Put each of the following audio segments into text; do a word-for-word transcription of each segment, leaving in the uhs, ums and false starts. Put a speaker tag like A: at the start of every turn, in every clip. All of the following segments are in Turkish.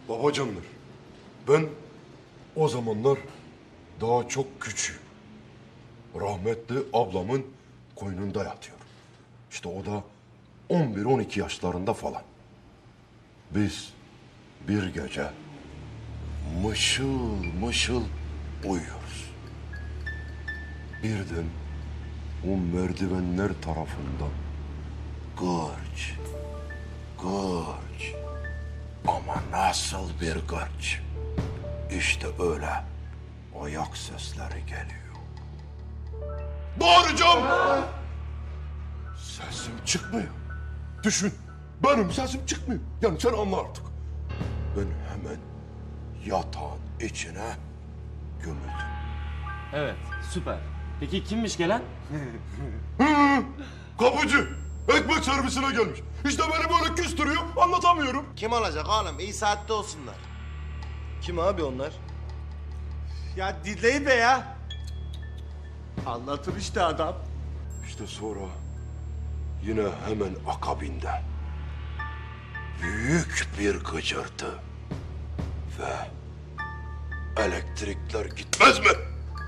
A: Babacanlar, ben o zamanlar daha çok küçüğüm. Rahmetli ablamın koynunda yatıyorum. İşte o da on bir on iki yaşlarında falan. Biz bir gece mışıl mışıl uyuyoruz. Birden o merdivenler tarafından gırç, gırç ama nasıl bir gırç. İşte öyle ayak sesleri geliyor. Bağıracağım. Sesim çıkmıyor. Düşün, benim sesim çıkmıyor. Yani sen anla artık. Ben hemen yatağın içine gömüldüm.
B: Evet, süper. Peki kimmiş gelen?
A: Kapıcı, ekmek servisine gelmiş. İşte beni böyle küstürüyor, anlatamıyorum.
C: Kim olacak oğlum? İyi saatte olsunlar.
D: Kim abi onlar?
C: Ya dinleyin be ya. Anlatır işte adam.
A: İşte sonra yine hemen akabinde büyük bir gıcırtı ve elektrikler gitmez mi?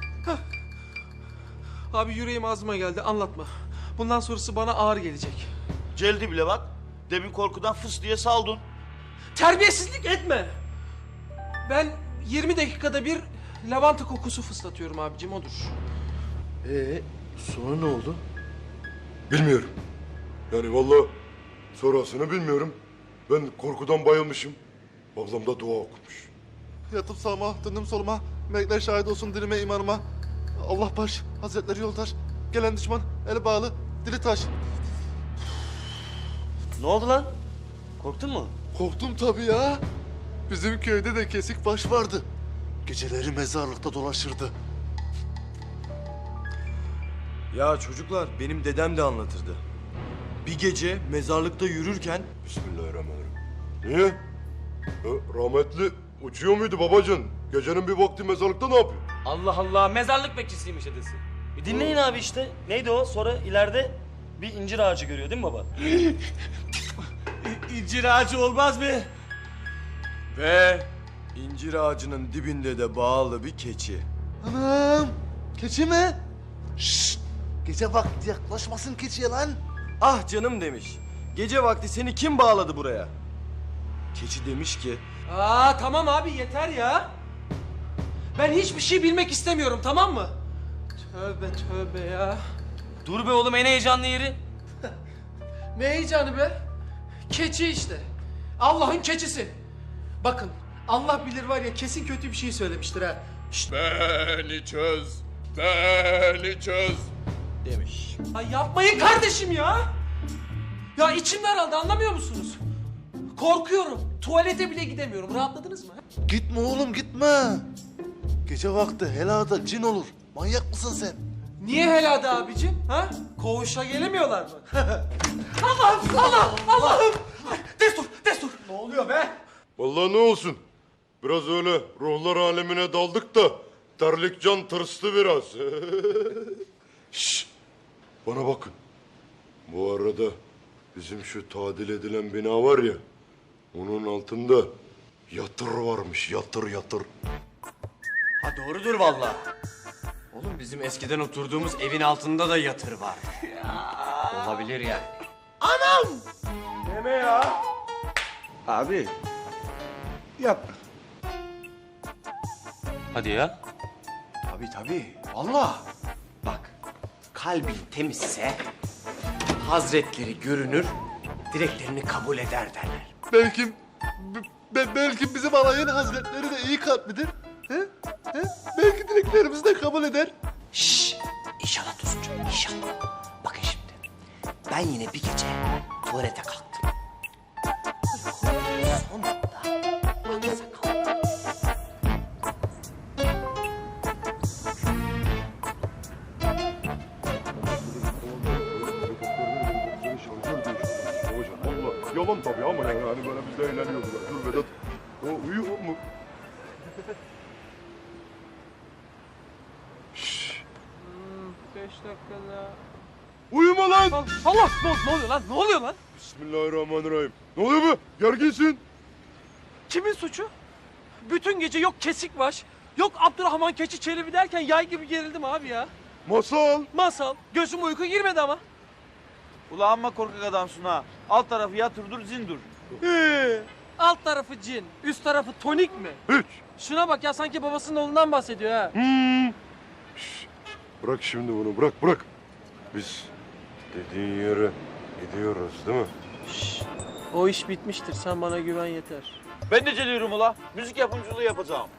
E: Abi yüreğim ağzıma geldi, anlatma. Bundan sonrası bana ağır gelecek.
C: Celdi bile bak. Demin korkudan fıs diye saldın.
E: Terbiyesizlik etme. Ben yirmi dakikada bir lavanta kokusu fıslatıyorum abicim, odur.
D: Ee, sonra ne oldu?
A: Bilmiyorum. Yani vallahi sonrasını bilmiyorum. Ben korkudan bayılmışım. Ablam da dua okumuş.
F: Yatıp sağıma, döndüm soluma. Melekler şahit olsun dilime, imanıma. Allah baş, hazretleri yoldaş. Gelen düşman, eli bağlı, dili taş.
D: Ne oldu lan? Korktun mu?
F: Korktum tabii ya. Bizim köyde de kesik baş vardı. Geceleri mezarlıkta dolaşırdı.
D: Ya çocuklar, benim dedem de anlatırdı. Bir gece mezarlıkta yürürken...
A: Bismillahirrahmanirrahim. Niye? E, rahmetli uçuyor muydu babacan? Gecenin bir vakti mezarlıkta ne yapıyor?
B: Allah Allah, mezarlık bekçisiymiş dedesi.
D: Bir dinleyin abi işte. Neydi o? Sonra ileride bir incir ağacı görüyor değil mi baba?
C: İncir ağacı olmaz mı?
D: Ve incir ağacının dibinde de bağlı bir keçi.
F: Anam, keçi mi? Şşt, gece vakti yaklaşmasın keçiye lan.
D: Ah canım demiş. Gece vakti seni kim bağladı buraya? Keçi demiş ki...
E: Aa tamam abi, yeter ya. Ben hiçbir şey bilmek istemiyorum, tamam mı? Tövbe tövbe ya.
B: Dur be oğlum, en heyecanlı yeri.
E: Ne heyecanı be? Keçi işte. Allah'ın keçisi. Bakın, Allah bilir var ya, kesin kötü bir şey söylemiştir ha. Şşt.
A: Beni çöz, beni çöz.
D: demiş.
E: Ay yapmayın kardeşim ya. Ya içim daraldı, anlamıyor musunuz? Korkuyorum. Tuvalete bile gidemiyorum. Rahatladınız mı?
F: Gitme oğlum, gitme. Gece vakti helada cin olur. Manyak mısın sen?
E: Niye helada abicim? Ha? Koğuşa gelemiyorlar mı? Allah'ım, Allah, Allah'ım. Ay, Destur, destur. Ne oluyor be?
A: Vallahi ne olsun. Biraz öyle ruhlar alemine daldık da terlik can tırstı biraz. Şşş. Bana bakın. Bu arada bizim şu tadil edilen bina var ya, onun altında yatır varmış, yatır yatır.
B: Ha doğrudur vallahi. Oğlum bizim eskiden oturduğumuz evin altında da yatır var. Olabilir yani.
C: Deme ya.
D: Abi.
F: Yapma.
B: Hadi ya.
D: Tabii tabii. Vallahi.
B: Bak, kalbin temizse hazretleri görünür, dileklerini kabul eder derler.
F: Belki, be- belki bizim alayın hazretleri de iyi kalplidir. He? He? Belki dileklerimizi de kabul eder.
G: Şşş! İnşallah Tosuncuğum, inşallah. Bakın şimdi, ben yine bir gece tuvalete kalktım. Sonunda aksa kalktım.
A: Yalan tabii ama yani hani böyle biz de eğleniyorduk. Dur Vedat, o uyuyor mu? Şşş.
E: Beş dakikada.
A: Uyuma lan!
E: Allah, ne, ne oluyor lan? Ne oluyor lan?
A: Bismillahirrahmanirrahim. Ne oluyor be? Gerginsin.
E: Kimin suçu? Bütün gece yok kesik baş, yok Abdurrahman Keçi Çelebi derken yay gibi gerildim abi ya.
A: Masal.
E: Masal, gözüm uyku girmedi ama.
C: Ula amma korkak adamsın ha. Alt tarafı yatırdır zindur.
E: Ee, alt tarafı cin, üst tarafı tonik mi?
A: Hiç.
E: Şuna bak ya, sanki babasının oğlundan bahsediyor ha.
A: Bırak şimdi bunu, bırak bırak. Biz dediğin yere gidiyoruz değil mi?
E: O iş bitmiştir, sen bana güven yeter.
C: Ben de geliyorum ula. Müzik yapımcılığı yapacağım.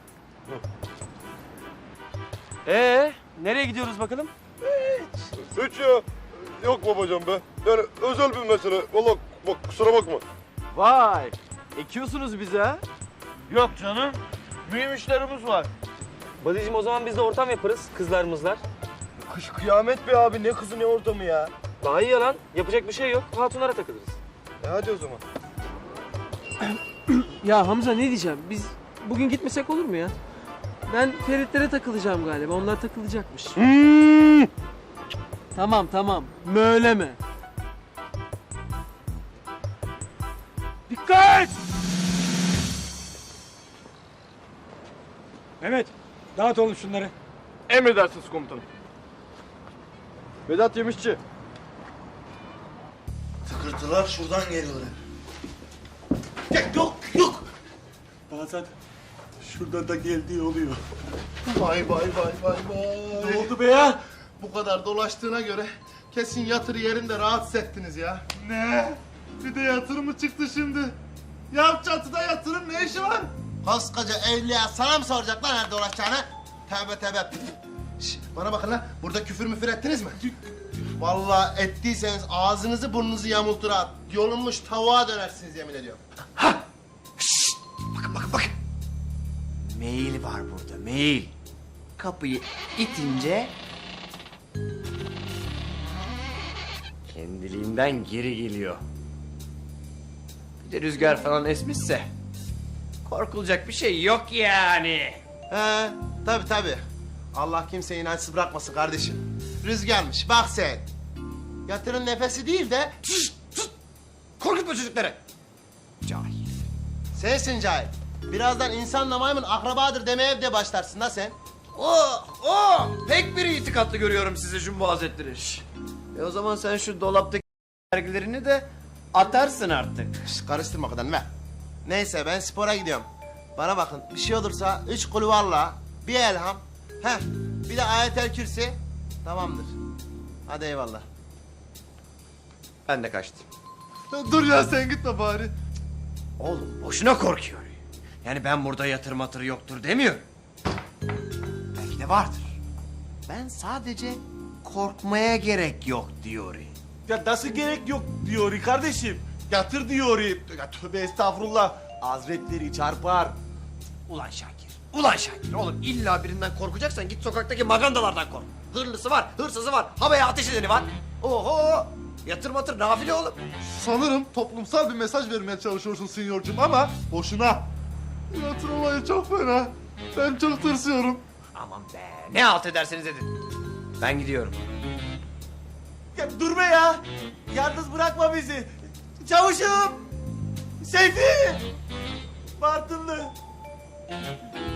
E: Ee, nereye gidiyoruz bakalım?
A: Hiç ya. Yok babacığım be. Yani özel bir mesele. Vallahi bak kusura bakma.
B: Vay, ekiyorsunuz bize ha?
C: Yok canım. Mühim işlerimiz var.
E: Badicim, o zaman biz de ortam yaparız, kızlarımızlar.
D: Kış kıyamet be abi, ne kızı ne ortamı ya.
E: Daha iyi ya lan, yapacak bir şey yok, hatunlara takılırız.
D: E hadi o zaman.
E: Ya Hamza, ne diyeceğim, biz bugün gitmesek olur mu ya? Ben Feritlere takılacağım galiba, onlar takılacakmış. Tamam tamam, möyleme. Dikkat!
H: Mehmet, dağıt oğlum şunları.
D: Emredersiniz komutanım. Vedat Yemişçi.
F: Tıkırtılar şuradan geliyorlar.
H: Bazen şurada da geldiği oluyor.
F: Vay vay vay vay vay.
H: Ne oldu be ya?
F: Bu kadar dolaştığına göre kesin yatır yerinde rahatsız ettiniz ya. Ne? Bir de yatır mı çıktı şimdi? Ya çatıda yatırım ne işi var? Koskoca evliya sana mı soracak lan nerede dolaşacağını? Tövbe tövbe. Şş, bana bakın lan, burada küfür müfür ettiniz mi? Vallahi ettiyseniz ağzınızı burnunuzu yamultur ha. Yolunmuş tavuğa dönersiniz yemin ediyorum.
G: Bakın bakın bakın. Mail var burada, mail. Kapıyı itince
B: Kendiliğinden geri geliyor. Bir de rüzgar falan esmişse korkulacak bir şey yok yani.
F: He, tabi tabi. Allah kimseyi inançsız bırakmasın kardeşim. Rüzgarmış, bak sen. Yatırın nefesi değil de
B: Korkutma çocukları. Cahil.
F: sensin cahil. Birazdan insanla maymun akrabadır demeye de başlarsın da sen.
B: Oh, oh! Pek bir itikatlı görüyorum sizi Jumbo Hazretleri. Şş. E o zaman sen şu dolaptaki dergilerini de atarsın artık.
F: Şş, karıştırma o kadar ver. Neyse ben spora gidiyorum. Bana bakın bir şey olursa üç kulvarla bir elham. Heh, bir de ayetel kürsi. Tamamdır. Hadi eyvallah.
B: Ben de kaçtım.
F: Dur ya sen gitme bari.
B: Oğlum boşuna korkuyor. Yani ben burada yatır matır yoktur demiyorum. Belki de vardır. Ben sadece korkmaya gerek yok diyor.
C: Ya nasıl gerek yok diyor kardeşim. Yatır diyor. Ya tövbe estağfurullah. Hazretleri çarpar.
B: Ulan Şakir, ulan Şakir. Oğlum illa birinden korkacaksan git sokaktaki magandalardan kork. Hırlısı var, hırsızı var, havaya ateş edeni var. Oho! Yatır matır nafile oğlum.
F: Sanırım toplumsal bir mesaj vermeye çalışıyorsun sinyorcum ama boşuna. Yatır olayı çok fena. Ben çok tırsıyorum.
B: Aman be, ne halt ederseniz edin. Ben gidiyorum.
C: Ya dur be ya. Yalnız bırakma bizi. Çavuşum. Seyfi. Bartınlı.